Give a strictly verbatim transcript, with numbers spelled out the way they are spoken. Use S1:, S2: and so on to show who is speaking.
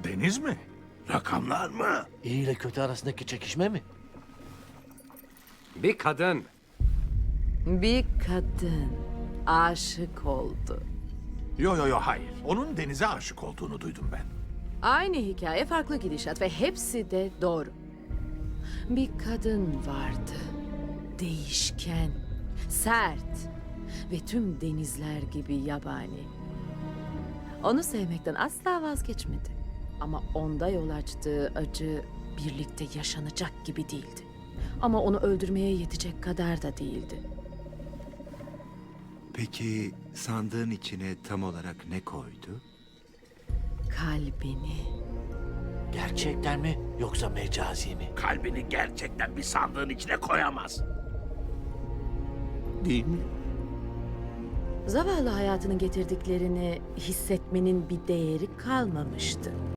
S1: Deniz mi? Rakamlar mı?
S2: İyi ile kötü arasındaki çekişme mi?
S3: Bir kadın.
S4: Bir kadın aşık oldu.
S1: Yo yo yo hayır. Onun denize aşık olduğunu duydum ben.
S4: Aynı hikaye, farklı gidişat ve hepsi de doğru. Bir kadın vardı. Değişken, sert ve tüm denizler gibi yabani. Onu sevmekten asla vazgeçmedi. Ama onda yol açtığı acı birlikte yaşanacak gibi değildi. Ama onu öldürmeye yetecek kadar da değildi.
S5: Peki sandığın içine tam olarak ne koydu?
S4: Kalbini.
S2: Gerçekten mi yoksa mecazi mi?
S1: Kalbini gerçekten bir sandığın içine koyamaz. Değil mi?
S4: Zavallı hayatının getirdiklerini hissetmenin bir değeri kalmamıştı.